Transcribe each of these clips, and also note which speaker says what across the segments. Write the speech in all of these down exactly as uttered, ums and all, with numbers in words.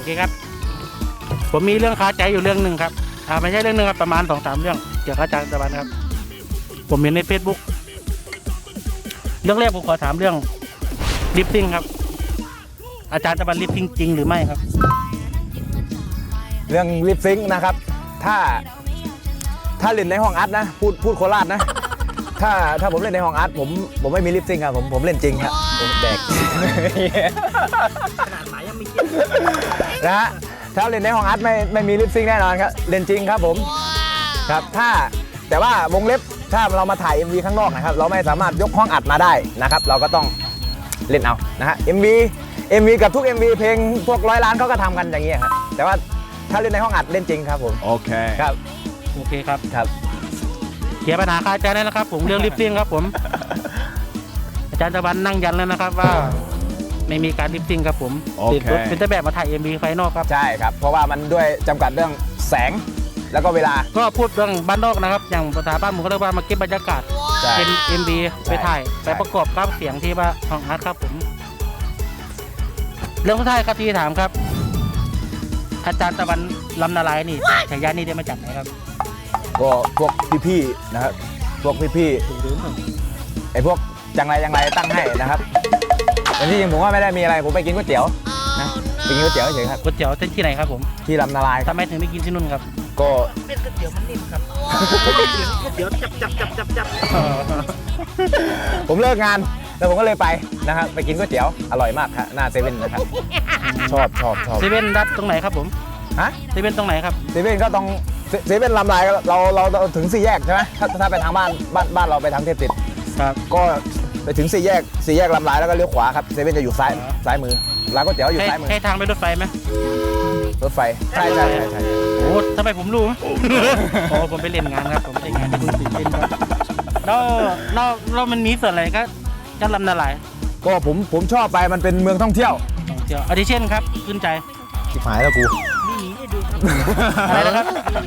Speaker 1: เคครับผมมีเรื่องคาใจอยู่เรื่องหนึ่งครับอ่าไม่ใช่เรื่องหนึ่งครับประมาณสองสามเรื่องเกี่ยวกับอาจารย์ตะวันครับผมเห็นใน เฟซบุ๊ก เรื่องแรกผมขอถามเรื่องลิปซิงครับอาจารย์ตะวันลิปซิงจริงหรือไม่ครับ
Speaker 2: เรื่องลิปซิงค์นะครับถ้าถ้าเล่นในห้องอัดนะพูดพูดโคราชนะถ้าถ้าผมเล่นในห้องอัดผมผมไม่มีลิปซิงค์ครับผมผมเล่นจริงครับผมแดก
Speaker 1: ขนาดหมายยังไม่คิด
Speaker 2: นะฮะถ้าเล่นในห้องอัดไม่ไม่มีลิปซิงค์แน่นอนครับเล่นจริงครับผมครับถ้าแต่ว่าวงเล็บถ้าเรามาถ่าย เอ็ม วี ข้างนอกนะครับเราไม่สามารถยกห้องอัดมาได้นะครับเราก็ต้องเล่นเอานะฮะ เอ็ม วี เอ็ม วี กับทุก เอ็ม วี เพลงพวกร้อยล้านเขาก็ทำกันอย่างนี้ครับแต่ว่าถ้าเล่นในห้องอัดเล่นจริงครับผม
Speaker 3: โอเค
Speaker 2: ครับ
Speaker 1: โอเคครับ
Speaker 2: ครับ
Speaker 1: เคลียร์ปัญหาคาใจแล้วนะครับผมเรื่องลิปซิงครับผมอาจารย์ตะวันนั่งยันแล้วนะครับว่าไม่มีการลิปซิงครับผมติดรถเป็นต้นแบบมาถ่าย เอ็ม วี ไฟนอลครับ
Speaker 2: ใช่ครับเพราะว่ามันด้วยจำกัดเรื่องแสงแล้วก็เวลา
Speaker 1: ก็พูดเรื่องบ้านนอกนะครับอย่างภาษาบ้านผมเขาเรียกว่ามาเก็บบรรยากาศเป็น เอ็ม วี ไปถ่ายไปประกอบกับเสียงที่ว่าห้องอัดครับผมเรื่องสุดท้ายครับที่ถามครับอาจารย์ตะวันลำนาลายนี่ฉายานี่ได้มาจากไหนครับ
Speaker 2: ก็พวกพี่ๆนะครับพวกพี่ๆไอ้พวกจังไรจังไรตั้งให้นะครับแต่ที่จริงผมว่าไม่ได้มีอะไรผมไปกินก๋วยเตี๋ยวนะไปกินก๋วยเตี๋ยวเฉยครับ
Speaker 1: ก๋วยเตี๋ยวที่ไหนครับผม
Speaker 2: ที่ลำนาลาย
Speaker 1: ทำไมถึงไม่กินที่นู่นครับ
Speaker 2: ก็
Speaker 1: เป็นก๋วยเตี๋ยวมันนิ่มครับก๋วยเตี๋ยวจับจับจับจับจับ
Speaker 2: ผมเลิกงานแล้วผมก็เลยไปนะครับไปกินก๋วยเตี๋ยวอร่อยมากครับหน้าเซเว่นนะครับชอบชอบชอบ
Speaker 1: เซเว่นรับตรงไหนครับผม
Speaker 2: ฮะ
Speaker 1: เซเว่นตรงไหนครับ
Speaker 2: เซเว่นก็ต้องเซเว่นลำลายเราเราถึงสี่แยกใช่ไหมถ้าถ้าไปทางบ้านบ้านบ้านเราไปทางเทพติด
Speaker 1: ครับ
Speaker 2: ก็ไปถึงสี่แยกสี่แยกลำลายแล้วก็เลี้ยวขวาครับเซเว่นจะอยู่ซ้ายซ้ายมือร้านก๋วยเตี๋ยวอยู่ซ้ายมือ
Speaker 1: ให้ทางไปรถไฟไหม
Speaker 2: รถไฟใช่ใช่ใช่ใช่
Speaker 1: โอ้ทำไมผมรู้โอ้ผมไปเล่นงานครับผมไปงานที่คุณตื่นเต้นครับแล้วแล้วแล้วมันมีส่วนอะไรก็จะลำนาลาย
Speaker 2: ก็ผมผมชอบไปมันเป็นเมืองท่องเที่ยว
Speaker 1: ท่องเที่ยวอาทิเช่นครับขึ้นใจ
Speaker 2: ชิบหายแล้วกู
Speaker 1: มีหมีให้ดูครับอะไรนะครับ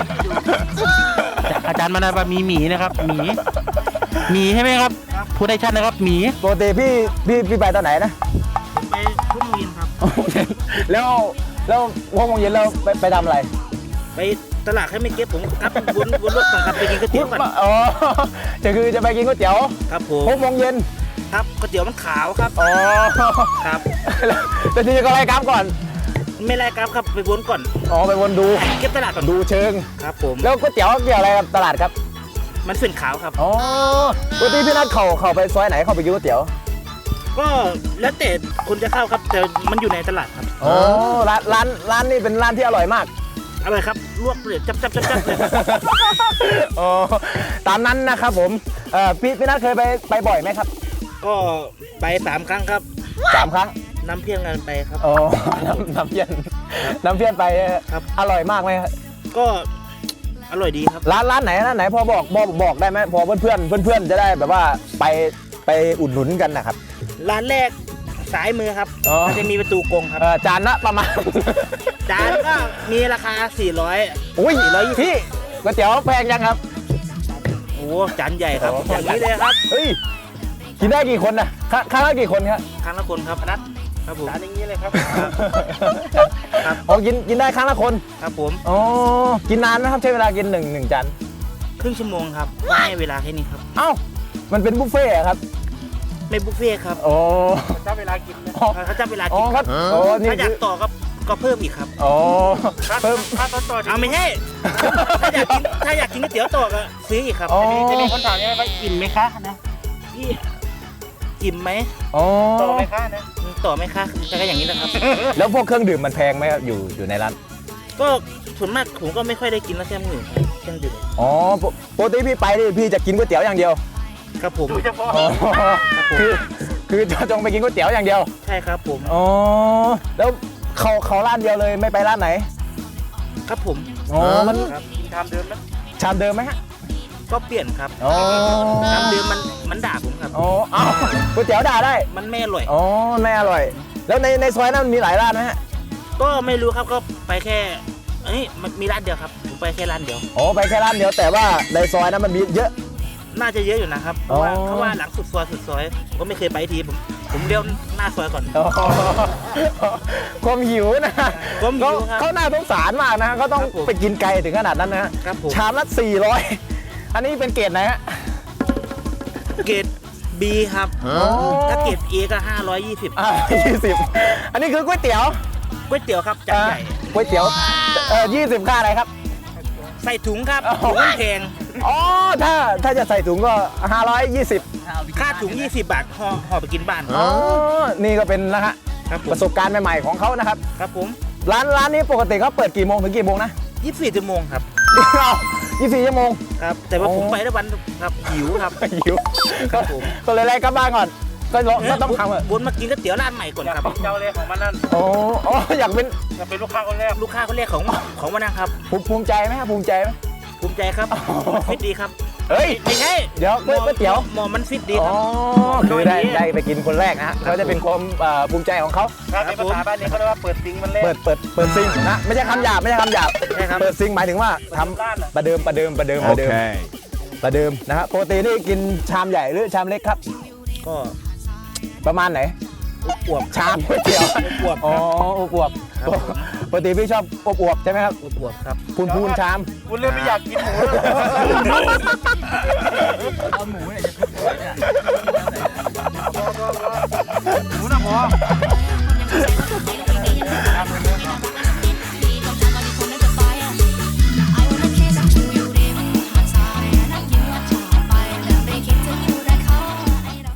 Speaker 1: อาจารย์มานาว่ามีหมีนะครับหมีหมีใช่ไหมครับพูดได้ชัดนะครับหมี
Speaker 2: ปกติพี่พี่พี่ไปตอนไหนนะ
Speaker 1: ไปทุ่มโมงเย็นครับ
Speaker 2: แล้วแล้วหกโมงเย็นแล้วไปไปทำอะไร
Speaker 1: ไปตลาดให้ไม่เก็บผมครับวนวนรถก่อนครับไปกินก๋วยเตี๋ยวก่อน
Speaker 2: อ๋อจะคือจะไปกินก๋วยเตี๋ยว
Speaker 1: ครับผม
Speaker 2: หกโมงเย็น
Speaker 1: ครับก๋วยเตี๋ยวมันขาวครับ
Speaker 2: อ๋อ
Speaker 1: ครับ
Speaker 2: แต่ทีนี้ก็ไล่กราฟก่อน
Speaker 1: ไม่ไล่กราฟครับไปวนก่อน
Speaker 2: อ๋อไปวนดู
Speaker 1: เก็บตลาดก่อน
Speaker 2: ดูเชิง
Speaker 1: ครับผม
Speaker 2: แล้วก๋วยเตี๋ยวเกี่ยวอะไรกับตลาดครับ
Speaker 1: มันเป็นขาวครับ
Speaker 2: อ๋อปกติพี่นัทเขาเขาไปซอยไหนเขาไปกินก๋วยเตี๋ยว
Speaker 1: ก็แล้วแต่คนจะเข้าครับแต่มันอยู่ในตลาดครับ
Speaker 2: อ๋อร้านร้านร้านนี้เป็นร้านที่อร่อยมาก
Speaker 1: อร่อยครับลวกเลยจับจับจับจับเลย
Speaker 2: อ๋อตามนั้นนะครับผมเอ่อพี่พี่นัทเคยไปไปบ่อยไหมครับ
Speaker 1: ก็ไปสามครั้งครับ
Speaker 2: สามครั้ง
Speaker 1: น้ำเพี้ยนกันไปครับ
Speaker 2: อ๋อน้ำน้ำเพี้ยนน้ำเพี้ยนไป
Speaker 1: ครับ
Speaker 2: อร่อยมากไหมครับ
Speaker 1: ก็อร่อยดีครับ
Speaker 2: ร้านร้านไหนร้านไหนพอบอกบอกบอกได้ไหมพอเพื่อนเพื่อนเพื่อนเพื่อนจะได้แบบว่าไปไปอุดหนุนกันนะครับ
Speaker 1: ร้านแรกสายมือครับมันจะมีประตูกงครับ
Speaker 2: จานละประมาณ
Speaker 1: จานก็มีราคาสี่ร้อย
Speaker 2: อุ้ยสี่ร้อยพี่ก๋วยเตี๋ยวแพงยังครับ
Speaker 1: โอ้จานใหญ่ครับอย่างนี้เลยครับ
Speaker 2: เฮ้ยกินได้กี่คนนะครั้งละกี่คนครับ
Speaker 1: ครั้งละคนครับนัดครับผมจานอย่างนี้เลยครับ
Speaker 2: ครับอ๋อกินกินได้ครั้งละคน
Speaker 1: ครับผม
Speaker 2: อ๋อกินนานไหมครับใช้เวลากินหนึ่งหนึ่งจาน
Speaker 1: ครึ่งชั่วโมงครับให้เวลาแค่นี้ครับ
Speaker 2: เอ้ามันเป็นบุฟเฟ่ครับ
Speaker 1: ไม่บุฟเฟ่ครับ
Speaker 2: โอ้
Speaker 1: เขาจับเวลากินนะเขาจับเวลากิน
Speaker 2: ครับ
Speaker 1: ถ้าอยากต่อก็ก็เพิ่มอีกครับ
Speaker 2: อ๋อเพิ่ม
Speaker 1: ถ้าต่อต่อเอาไม่ใช่ถ้าอยากกินถ้าอยากกินก๋วยเตี๋ยวต่อก็ซื้ออีกครับจะมีคนถามว่าอิ่มไหมคะนะพี่อิ่มไหมต่อไหมคะนะต่อไหมคะก็อย่างนี้นะครับ
Speaker 2: แล้วพวกเครื่องดื่มมันแพงไหมครับอยู่อยู่ในร้าน
Speaker 1: ก็ส่วนมากผมก็ไม่ค่อยได้กินแล้วแค่มือเครื่องดื่ม
Speaker 2: อ๋อปกติพี่ไปนี่พี่จะกินก๋วยเตี๋ยวอย่างเดียว
Speaker 1: ครับผม
Speaker 2: คือคือจะจงไปกินก๋วยเตี๋ยวอย่างเดียว
Speaker 1: ใช่ครับผม
Speaker 2: อ๋อแล้วเขาเขาร้านเดียวเลยไม่ไปร้านไหน
Speaker 1: ครับผม
Speaker 2: อ๋อมัน
Speaker 1: กินชามเดิมไหม
Speaker 2: ชามเดิมไหมฮะ
Speaker 1: ก็เปลี่ยนครับ
Speaker 2: อ๋อ
Speaker 1: ชามเดิมมันมันด่าผมครับ
Speaker 2: อ๋ออ้าวก๋วยเตี๋ยวด่าได้
Speaker 1: มันไม่อร่อย
Speaker 2: อ๋อไม่อร่อยแล้วในในซอยนั้นมีหลายร้านไหมฮะ
Speaker 1: ก็ไม่รู้ครับก็ไปแค่เอ้ยมันมีร้านเดียวครับผมไปแค่ร้านเดียว
Speaker 2: อ๋อไปแค่ร้านเดียวแต่ว่าในซอยนั้นมันมีเยอะ
Speaker 1: น่าจะเยอะอยู่นะครับเพราะว่าเพราะว่าหลังสุดซอยสุดซอยผมก็ไม่เคยไปทีผม
Speaker 3: ผมเลี้ยวหน้าซอยก่อน
Speaker 2: อ๋อความหิวนะ
Speaker 3: ความหิวครับ
Speaker 2: เขาน่าสงสารมากนะเขาต้อง
Speaker 3: ครับผม
Speaker 2: ไปกินไกลถึงขนาดนั้นนะฮะ
Speaker 3: ครับผม
Speaker 2: ชามละสี่ร้อยอันนี้เป็นเกรดไหนฮะ
Speaker 3: เกรด B ครับ ถ้าเกรด A ก็ห้าร้อยยี่สิบ
Speaker 2: อ่ายี่สิบอันนี้คือก๋วยเตี๋ยว
Speaker 3: ก๋วยเตี๋ยวครับจานใหญ่
Speaker 2: อ่าก๋วยเตี๋ยวเออยี่สิบค่าอะไรครับ
Speaker 3: ใส่ถุงครับ
Speaker 2: อ๋อ
Speaker 3: ถุงมันแพง
Speaker 2: อ๋อถ้าถ้าจะใส่ถุงก็ห้าร้อยยี่สิบ
Speaker 3: ค่าถุงยี่สิบบาทห่อห่อไปกินบ้าน
Speaker 2: อ๋อนี่ก็เป็นนะฮะ
Speaker 3: ครับผ
Speaker 2: ป
Speaker 3: ม
Speaker 2: ระสบการณ์ใหม่ๆของเขานะครับ
Speaker 3: ครับผม
Speaker 2: ร้านร้านนี้ปกติเขาเปิดกี่โมงถึงกี่โมงนะ
Speaker 3: ยี่สิบสี่ชั่วโมงครับ
Speaker 2: ยี่สิบสี่ชั่วโมง
Speaker 3: ครับ แต่ว่า
Speaker 2: โอ้
Speaker 3: ผมไปได้วันครับหิวครับ
Speaker 2: หิว
Speaker 3: ครับผม
Speaker 2: ก็เลยไล่กลับบ้านก่อน ก็ลองก็ต้องทำอะ
Speaker 3: วนมากินก๋วยเตี๋ยวร้านใหม่ก่อนครับ
Speaker 1: เจ้าเลยของมันนั่น
Speaker 2: โอ้โอ้อยากเป็น
Speaker 1: จะเป็นลูกค้าคนแรก
Speaker 3: ลูกค้าเขาเรียกของของวันนั้นครับ
Speaker 2: ภูมิภูมิใจไหมครับภูมิใจไหม
Speaker 3: ภูมิใจครับฟิตดีครับ
Speaker 2: เฮ้ย
Speaker 3: ไม่ใช่
Speaker 2: เดี๋ยวก๋วยก๋วยเตี๋ยว
Speaker 3: หมอมันฟิตดี
Speaker 2: อ๋
Speaker 3: ค
Speaker 2: อ
Speaker 3: รับ
Speaker 2: คือได้ได้ไปกินคนแรกนะฮะเขาจะเป็นความเอ่อภูมิใจของเขา
Speaker 1: ครับในภาษาบ้านนี้เขาเรียกว่าเปิดซิงมันแรก
Speaker 2: เปิดเปิดเปิดซิงนะไม่ใช่คำหยาบไม่ใช่คำหยาบ
Speaker 3: ใช่ครับ
Speaker 2: เปิดซิงหมายถึงว่าทำประเดิมประเดิมประเดิมประเดิมประเดิมนะฮะปกตินี่กินชามใหญ่หรือชามเล็กครับ
Speaker 3: ก็
Speaker 2: ประมาณไหน
Speaker 3: อวบ
Speaker 2: ชามก๋วยเตี๋ยว
Speaker 3: อวบ
Speaker 2: อ๋ออวบ
Speaker 3: ครับผม
Speaker 2: ปกติพี่ชอบอวบๆใช่ไหมครับ
Speaker 3: อวบครับ
Speaker 2: พูนพูนชาม
Speaker 1: คุณเริ่มไม่อยากกินหมูแล้ว
Speaker 4: เอาหมูเนี่ยจะพิเศษเนี่ย
Speaker 1: หมูนะพอ